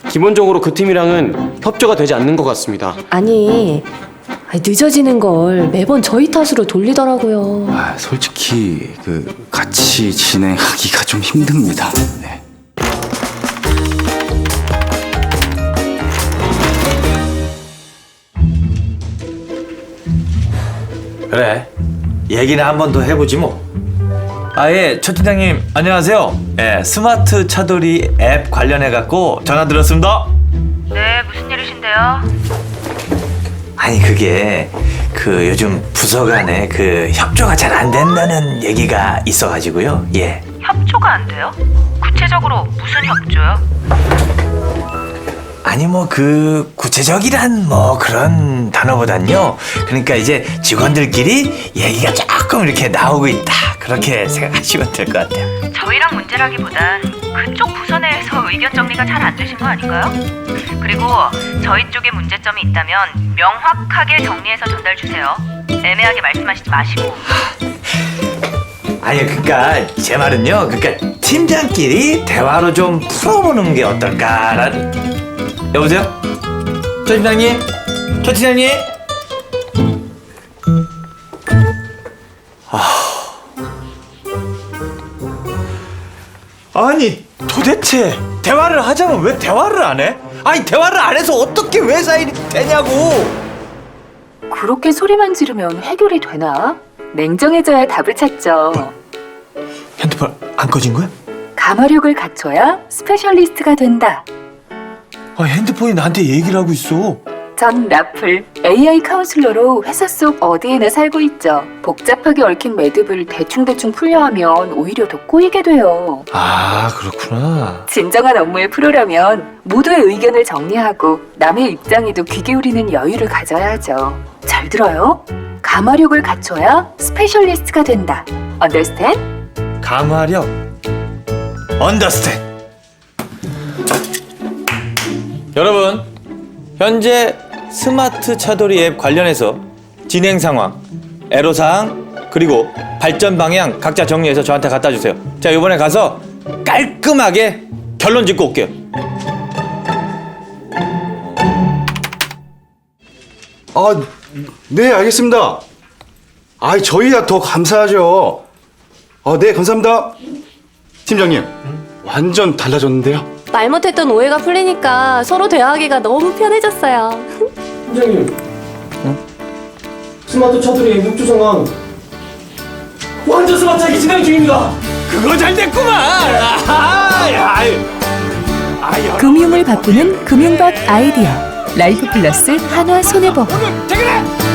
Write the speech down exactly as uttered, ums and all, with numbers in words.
기본적으로 그 팀이랑은 협조가 되지 않는 것 같습니다. 아니, 아니, 늦어지는 걸 매번 저희 탓으로 돌리더라고요. 아, 솔직히 그 같이 진행하기가 좀 힘듭니다. 네. 그래, 얘기나 한 번 더 해보지 뭐. 아예 초 팀장님 안녕하세요. 예, 스마트 차돌이 앱 관련해 갖고 전화 드렸습니다. 네, 무슨 일이신데요? 아니 그게 그 요즘 부서 간에 그 협조가 잘 안 된다는 얘기가 있어가지고요. 예. 협조가 안 돼요? 구체적으로 무슨 협조요? 아니 뭐 그 구체적이란 뭐 그런 단어보단요. 그러니까 이제 직원들끼리 얘기가 조금 이렇게 나오고 있다. 그렇게 생각하시면 될 것 같아요. 저희랑 문제라기보단 그쪽 부서 내에서 의견 정리가 잘 안 되신 거 아닌가요? 그리고 저희 쪽에 문제점이 있다면 명확하게 정리해서 전달 주세요. 애매하게 말씀하시지 마시고. 아니 그러니까 제 말은요. 그러니까 팀장끼리 대화로 좀 풀어보는 게 어떨까라는. 여보세요? 조 팀장님? 조 팀장님? 아... 아니 도대체 대화를 하자면 왜 대화를 안 해? 아니 대화를 안 해서 어떻게 회사 일이 되냐고. 그렇게 소리만 지르면 해결이 되나? 냉정해져야 답을 찾죠. 핸드폰 안 꺼진 거야? 가마력을 갖춰야 스페셜리스트가 된다. 아 핸드폰이 나한테 얘기를 하고 있어. 전 라플 에이아이 카운슬러로 회사 속 어디에나 살고 있죠. 복잡하게 얽힌 매듭을 대충대충 풀려 하면 오히려 더 꼬이게 돼요. 아 그렇구나. 진정한 업무의 프로라면 모두의 의견을 정리하고 남의 입장에도 귀 기울이는 여유를 가져야 하죠. 잘 들어요? 가마력을 갖춰야 스페셜리스트가 된다. Understand? 가마력 언더스탠. 여러분 현재 스마트 차돌이 앱 관련해서 진행 상황, 애로사항 그리고 발전 방향 각자 정리해서 저한테 갖다 주세요. 자 이번에 가서 깔끔하게 결론 짓고 올게요. 아, 네, 알겠습니다. 아, 저희야 더 감사하죠. 아, 네, 감사합니다. 팀장님, 완전 달라졌는데요? 말 못했던 오해가 풀리니까 서로 대화하기가 너무 편해졌어요. 팀장님, 스마트 차들이 협조 상황 완전 스마트하게 진행 중입니다. 그거 잘 됐구만. 아하, 야, 아유. 아유, 금융을 바꾸는 금융박 아이디어 라이프 플러스 한화 손해보험. 오늘 퇴근해.